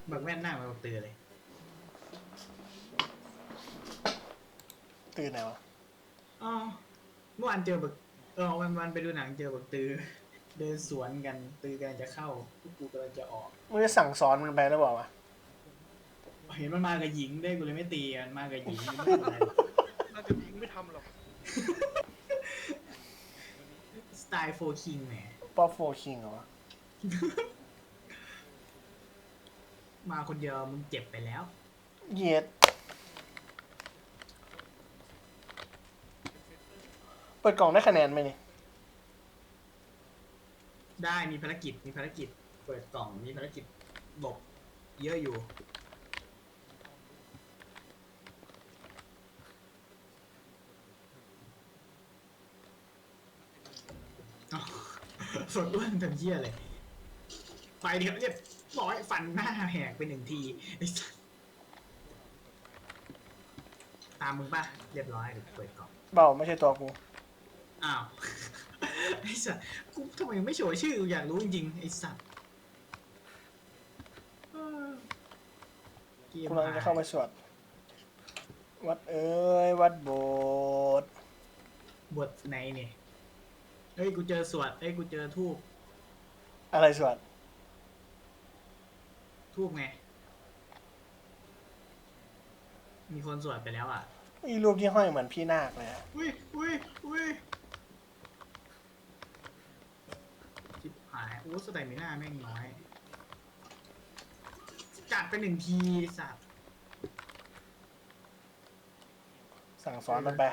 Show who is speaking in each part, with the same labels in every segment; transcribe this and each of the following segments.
Speaker 1: บักแว่นหน้ามันบักตือเลย
Speaker 2: ตื่นไหนวะ
Speaker 1: อ๋อเมื่อวานเจอบักวันไปดูหนังเจอบักตือเดินสวนกันตือกำลังจะเข้าพวกกูกำลังจะออก
Speaker 2: มึงจะสั่งสอนมันไปแล้วบอกวะ
Speaker 1: เห็นมันมากับหญิงได้กูเลยไม่ตีมันมากับหญิงไม่ทำอะไรหรอก
Speaker 3: น่าจะยิงไม่ทำหรอก
Speaker 1: สไตล์โฟคิงแหม
Speaker 2: ป๊อปโฟคิงเหรอวะ
Speaker 1: มาคนเดียวมึงเจ็บไปแล้ว
Speaker 2: เย็ดเปิดกล่องได้คะแนนไหมนี่
Speaker 1: ได้มีภารกิจเปิดกล่องมีภารกิจบกเยอะอยู่อ้าวส่วนอ้วนทำเหี้ยเลยไปเดี๋ยวเรียบร้อยฟันหน้าแหกไปหนึ่งทีไอ้สัสตามมึงป่ะเรียบร้อยเดี๋ยวเปิดกล่อง
Speaker 2: เปล่าไม่ใช่ตัวกู
Speaker 1: อ้าว ไอ้สัสกูทำไมไม่โชว์ชื่อกูอยากรู้จริงๆไอ้สัสเออเกม
Speaker 2: กูกำลังจะเข้าไป
Speaker 1: หาย
Speaker 2: สวดวัดเอ้ยวัดโบสถ์
Speaker 1: บทไหนเนี่ยเฮ้ยกูเจอสวดเฮ้ยกูเจอทูบ
Speaker 2: อะไรสวด
Speaker 1: ทูบไงมีคนสวดไปแล้วอ่ะ
Speaker 2: อีรูปที่ห้อยเหมือนพี่นาคเลยอะ
Speaker 1: อุ้ยชิบหายโอ้สไตล์มีหน้าแม่งน้อยจัดไปหนึ่งทีสัตว์
Speaker 2: สั่งสอนมันไป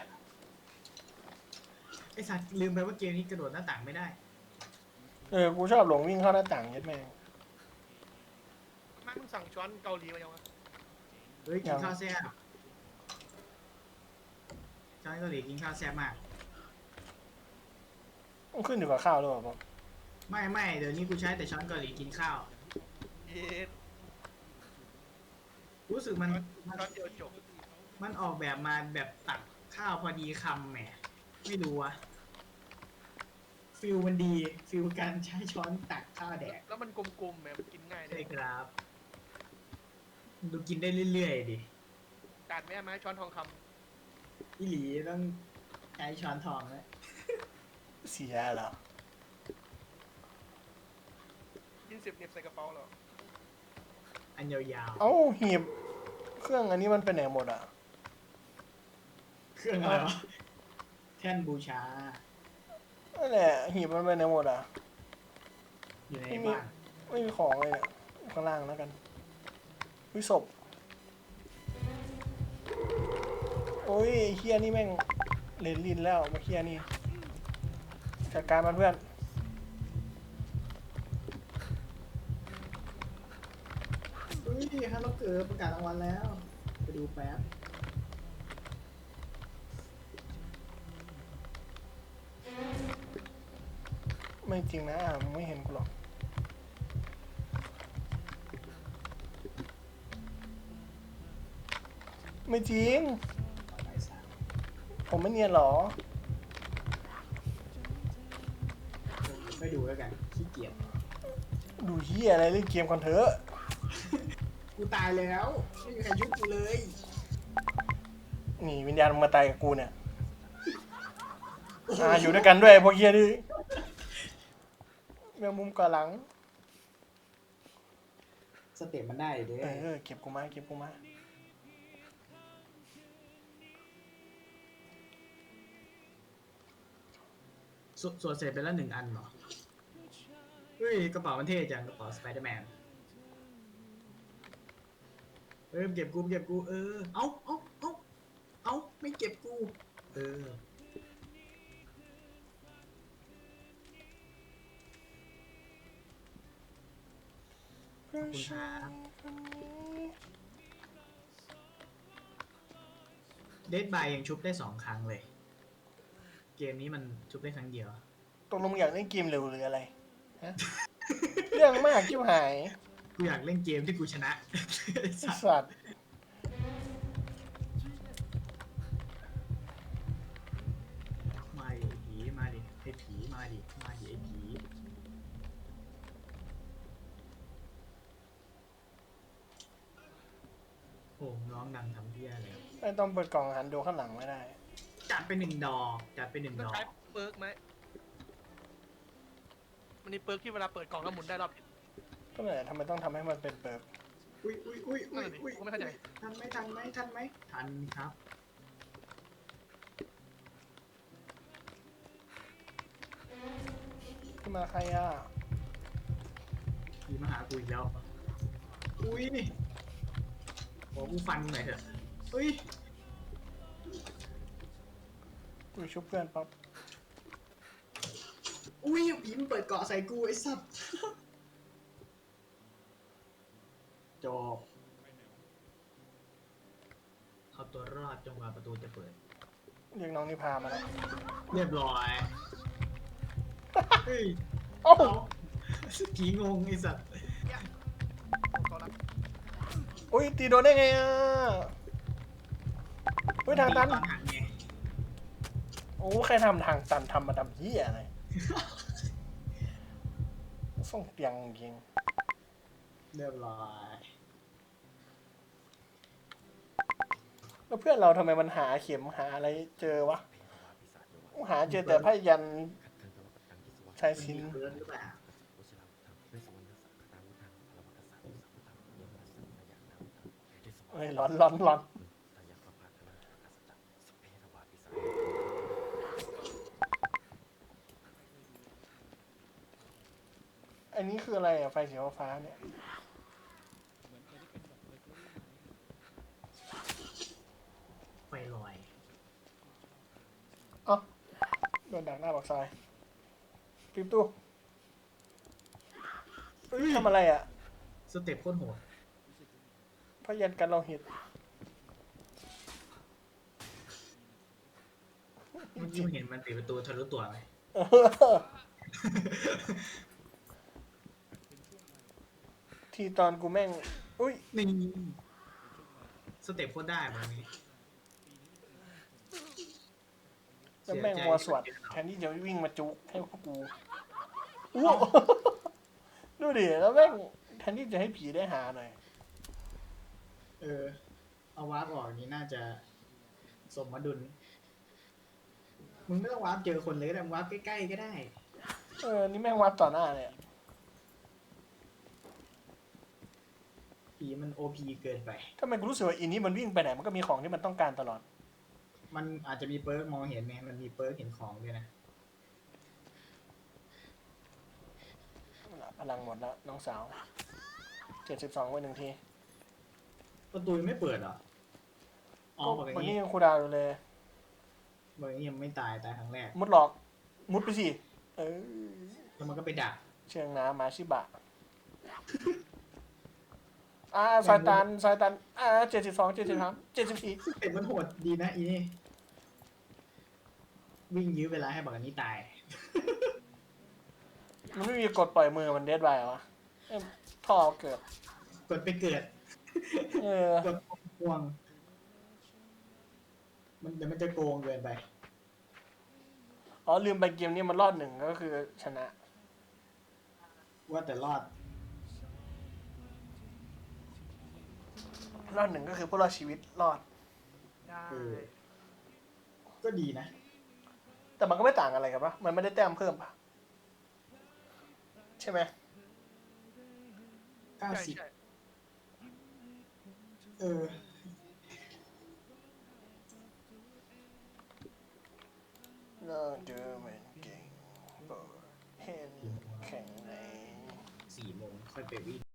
Speaker 1: ไอสัตว์ลืมไปว่าเกมนี้กระโดดหน้าต่างไม่ได้
Speaker 2: กูชอบหลงวิ่งเข้าหน้าต่างยัดแม่ง
Speaker 3: แม่งสั่งช้อนเกาหลีมายังวะ
Speaker 1: เฮ้ยกินข้าวแซ่บช้อนเกาหลีกินข้าวแซ่บมาก
Speaker 2: มันขึ้นอยู่กับข้าวหรือเปล่าผม
Speaker 1: ไม่เดี๋ยวนี้กูใช้แต่ช้อนเกาหลีกินข้าว
Speaker 3: เย็ด
Speaker 1: รู้สึกมัน
Speaker 3: ช้อนเดียวจบ
Speaker 1: มันออกแบบมาแบบตักข้าวพอดีคำแหมไม่รู้อะฟิลมันดีฟิลการใช้ช้อนตักข้าวแดก
Speaker 3: แล้วมันกลมๆแหมมันกินง่ายเล
Speaker 1: ใช่
Speaker 3: ย
Speaker 1: ครับ ดูกินได้เรื่อยๆดิ
Speaker 3: การแม่ไม้ช้อนทองค
Speaker 1: อีหลีต้องใช้ช้อนทองแล้ว
Speaker 2: เสียเหรอ
Speaker 3: ำกิน10เหน็บใส่กระเป๋าเหรอ
Speaker 1: อันยาว
Speaker 2: เอ้าหีบเครื่องอันนี้มันไปไหนหมดอ่ะ
Speaker 1: ๆเครื่องอะไรวะแท่นบูชา
Speaker 2: นั่นแหละหีบมันไปไหนหมดอ่ะ
Speaker 1: อยู่ใน
Speaker 2: ไม่มี
Speaker 1: บ้าน
Speaker 2: ไม่มีของเลยเนี่ยข้างล่างแล้วกันวิศพโอ้ยเฮียนี่แม่งเลนลินแล้วมาเฮียนี่จัดการมันเพื่อน
Speaker 1: เฮ้ยฮัลโหลเกิดประกาศรางวัลแล้ว ไปดูแป๊บ
Speaker 2: ไม่จริงนะมึงไม่เห็นกูหรอกไม่จริง
Speaker 1: บ่ายสาม
Speaker 2: ผมไม่เนียนหรอ
Speaker 1: ไปดูแล้วกันขี้เกียจ
Speaker 2: ดูเฮียอะไรเล่นเกมก่อนเถอะ
Speaker 1: กูตายแล้วไม่มีใครยุบกูเลย
Speaker 2: นี่วิญญาณมึงมาตายกับกูเนี่ยอยู่ด้วยกันด้วยพวกเฮียดิแมงมุมก่อหลัง
Speaker 1: สเต็ปมันได้เด้
Speaker 2: เก็บกูมาเก็บกูมา
Speaker 1: ส่วนเสร็จไปแล้วหนึ่งอันเหรอเฮ้ยกระเป๋ามันเท่จังกระเป๋าสไปเดอร์แมนเฮ้ยเก็บกูเออเอาไม่เก็บกูเออขอบคุณครับเดดบายยังชุบได้2 ครั้งเลย เกมนี้มันชุบได้ครั้งเดียว
Speaker 2: ตกลงมึงอยากเล่นเกมเร็วหรืออะไรฮะ เรื่องมากชิบหาย
Speaker 1: กูอยากเล่นเกมที่กูชนะ ไอ้
Speaker 2: ไอ้
Speaker 1: สัส
Speaker 2: สัตว์
Speaker 1: มาดิไอ้ผีมาดิไอ้ผีมาดิไอ้ผีโอ้ร้องดังทำเพี้ยอะไร
Speaker 2: ไม่ต้องเปิดกล่องหันดูข้างหลังไม่ได้
Speaker 1: จัดไป1 ดอกจัดไป1
Speaker 3: ต้อง
Speaker 1: ดอก
Speaker 3: ใช้เปิร์กไหมมันมีเปิร์กที่เวลาเปิดกล่องแล้วหมุนได้รอบเดียว
Speaker 2: ก็เลยทำไมต้องทำให้มันเป็นเปิร์ก
Speaker 1: อุ้ยอุ้ยอุ้ยอุ้
Speaker 3: นั่
Speaker 1: ย
Speaker 3: นน่ะดิ
Speaker 1: อุ้ย
Speaker 3: กูไม่เข้าใจ
Speaker 1: ทันไหมทันครับ
Speaker 2: ขึ้นมาใครอ่ะ
Speaker 1: ผีมาหากูอีกแล้วอุ้ยขอกูฟันหน่อยเถอะอุ้ย
Speaker 2: กูชุบเพื่อนปั๊บ
Speaker 1: อุ้ยผีมันเปิดเกาะใส่กูไอ้สัตว์จบเอาตัวรอดจนกว่าประตูจะเปิด
Speaker 2: เรียกน้องนิพามาแล้ว
Speaker 1: เรียบร้อยเฮ้ย
Speaker 2: โอ้า
Speaker 1: เอาผีงงไอ้สัตว์
Speaker 3: เขารับ
Speaker 2: อุ้ยตีโดนได้ไงอ่ะอุ้ยทางตัน
Speaker 1: ตอนหันไง
Speaker 2: โอ้ใครทำทางตันทำมาทำเหี้ยอะไรส่งเตียงยิง
Speaker 1: เรียบร้อย
Speaker 2: แล้วเพื่อนเราทำไมมันหาเข็มหาอะไรเจอวะหาเจอแต่พยันชายสิน
Speaker 1: มีเพื่อนหรือเปล่า
Speaker 2: เฮ้ยร้อนร้อนร้อนอันนี้คืออะไรอ่ะไฟสีฟ้าๆเนี่ย
Speaker 1: ไฟลอย
Speaker 2: เอ๋อโดนดักหน้าปากซอยปิมตู้เฮ้ยทำอะไรอ่ะ
Speaker 1: สเต็ปโคตรโหด
Speaker 2: พยันกันเราหิต
Speaker 1: เมื่อกี้มึงเห็นมันปิดประตูทะลุตัวไหม
Speaker 2: เออทีตอนกูแม่ง อุ้ย
Speaker 1: นี่สเต็ปโคตรได้แบบนี้
Speaker 2: แล้วแม่งมัวสวดแทนที่จะวิ่งมาจุกให้พวกกูอู้ ดูดิแล้วแม่งแทนที่จะให้ผีได้หาหน่อย
Speaker 1: เออ เอาวาร์ปออกนี้น่าจะสมดุล มึงไม่ต้องวาร์ปเจอคนเลยก็ได้มึงวาร์ปใกล้ๆก็ได้
Speaker 2: เออ นี่แม่งวัดต่อหน้าเลยอะ
Speaker 1: ผีมันโอพีเกินไป
Speaker 2: ทำไมกูรู้สึกว่าอีนี้มันวิ่งไปไหนมันก็มีของที่มันต้องการตลอด
Speaker 1: มันอาจจะมีเปิร์กมองเห็นไงมันมีเปิร์กเห็นของด้วยนะ
Speaker 2: พลังหมดแล้วน้องสาว 72ไว้1 ที
Speaker 1: ประตูยังไม่เปิดเหรอ อ๋อบอกอย่าง
Speaker 2: วัน
Speaker 1: นี้
Speaker 2: นี้ยังครูดาวอยู่เลย
Speaker 1: บอกอย่างนี้ยังไม่ตายครั้งแรก
Speaker 2: มุดหลอก มุดไปสิ เออ
Speaker 1: แล้วมันก็ไปดัก
Speaker 2: เชียงน้ำมาชิบะ ซอยตัน 72 73 74
Speaker 1: เป็ดมันโหดดีนะอีนี่ วิ่งยื้อเวลาให้บอกอันนี้ตาย
Speaker 2: มันไม่มีกดปล่อยมือมันเดดไวเหรอวะเอ้ยท่อเกิด
Speaker 1: กดไปเกิด
Speaker 2: เออ
Speaker 1: กดห่วง มันเดี๋ยวมันจะโกงเกินไป
Speaker 2: อ๋อ ลืมไปเกมนี้มันรอด1ก็คือชนะ
Speaker 1: ว่าแต่รอด
Speaker 2: รอด1ก็คือผู้รอดชีวิตรอด
Speaker 3: ได้
Speaker 1: เออ ก็ดีนะ
Speaker 2: แต่มันก็ไม่ต่างอะไรกันปะมันไม่ได้แต้มเพิ่มปะใช่ไหม
Speaker 3: ใช่
Speaker 1: 90
Speaker 3: ใช่
Speaker 1: เออ
Speaker 2: เราเดินเหมือนเก่งโปรดเห็นแข็งใน
Speaker 1: 4 โมงค่อยไปวิ่ง